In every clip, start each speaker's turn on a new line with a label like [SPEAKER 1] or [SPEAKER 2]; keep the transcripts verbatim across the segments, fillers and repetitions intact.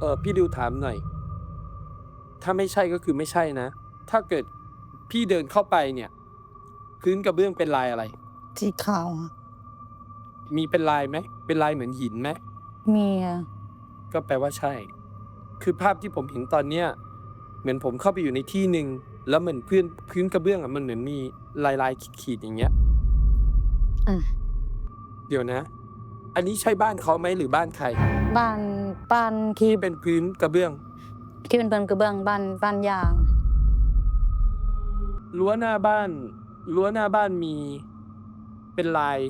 [SPEAKER 1] อพี่ดิวถามหน่อยถ้าไม่ใช่ก็คือไม่ใช่นะถ้าเกิดพี่เดินเข้าไปเนี่ยพื้นกระเบื้องเป็นลายอะไร
[SPEAKER 2] สีขาวอะ
[SPEAKER 1] มีเป็นลายไหมเป็นลายเหมือนหินไหม
[SPEAKER 2] มีอะ
[SPEAKER 1] ก็แปลว่าใช่คือภาพที่ผมเห็นตอนเนี้ยเหมือนผมเข้าไปอยู่ในที่หนึ่งแล้วเหมือนพื้นพื้นกระเบื้องอ่ะมันเหมือนมีลายลายขีดๆอย่างเงี้ย
[SPEAKER 2] อ่ะ
[SPEAKER 1] เดี๋ยวนะ อันนี้ใช่บ้านเขาไหมหรือบ้านใคร
[SPEAKER 2] บ้านบ้านที่
[SPEAKER 1] ที่เป็นพื้นกระเบื้อง
[SPEAKER 2] ที่เป็นเป็นกระเบื้องบ้านบ้านยาง
[SPEAKER 1] รั้วหน้าบ้านรั้วหน้าบ้านมีเป็นลาย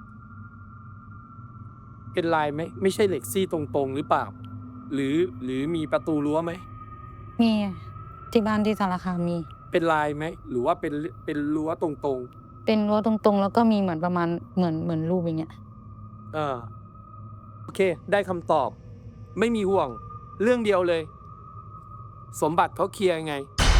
[SPEAKER 1] เป็นลายไหมไม่ใช่เหล็กซี่ตรงๆหรือเปล่าหรือหรือมีประตูรั้วไหม
[SPEAKER 2] มีที่บ้านที่สารคามมี
[SPEAKER 1] เป็นลายไหมหรือว่าเป็นเป็นรั้วตรง
[SPEAKER 2] เป็นรั้วตรงๆแล้วก็มีเหมือนประมาณเหมือนเหมือนรูปอย่างเงี้ย
[SPEAKER 1] ๆอ่าโอเคได้คำตอบไม่มีห่วงเรื่องเดียวเลย สมบัติเขาเคลียร์ไง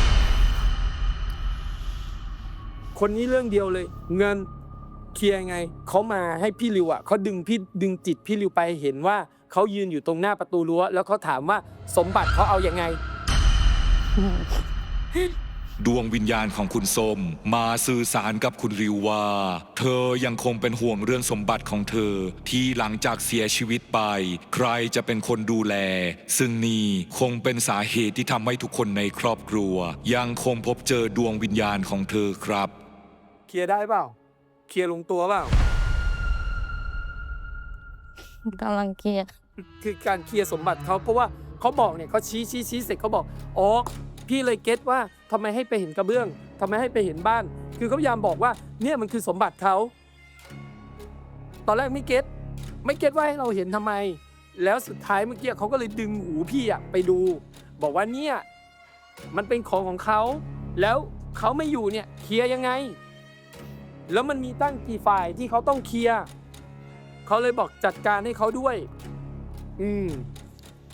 [SPEAKER 1] คนนี้เรื่องเดียวเลย เงินเคลียร์ไงเขามาให้พี่ริวอ่ะเขาดึงพี่ดึงจิตพี่ริวไปเห็นว่าเขายืนอยู่ตรงหน้าประตูรั้วแล้วเขาถามว่าสมบัติเขาเอายังไง
[SPEAKER 3] ดวงวิญญาณของคุณส้มมาสื่อสารกับคุณริวว่าเธอยังคงเป็นห่วงเรื่องสมบัติของเธอที่หลังจากเสียชีวิตไปใครจะเป็นคนดูแลซึ่งนี่คงเป็นสาเหตุที่ทำให้ทุกคนในครอบครัวยังคงพบเจอดวงวิญญาณของเธอครับ
[SPEAKER 1] เคลียร์ได้เปล่าเคลียร์ลงตัวเปล่า
[SPEAKER 2] กำลังเคลียร์
[SPEAKER 1] คือการเคลียร์สมบัติเขาเพราะว่าเขาบอกเนี่ยเขาชี้ชี้ชี้เสร็จเขาบอกอ๋อพี่เลยเก็ตว่าทำไมให้ไปเห็นกระเบื้องทำไมให้ไปเห็นบ้าน คือเขาพยายามบอกว่าเนี่ยมันคือสมบัติเขาตอนแรกไม่เก็ตไม่เก็ตว่าให้เราเห็นทำไม แล้วสุดท้ายเมื่อกี้เขาก็เลยดึงหูพี่อะไปดู บอกว่าเนี่ยมันเป็นของของเขาแล้วเขาไม่อยู่เนี่ยเคลียร์ยังไง แล้วมันมีตั้งกี่ฝ่ายที่เขาต้องเคลียร์เขาเลยบอกจัดการให้เขาด้วยอืม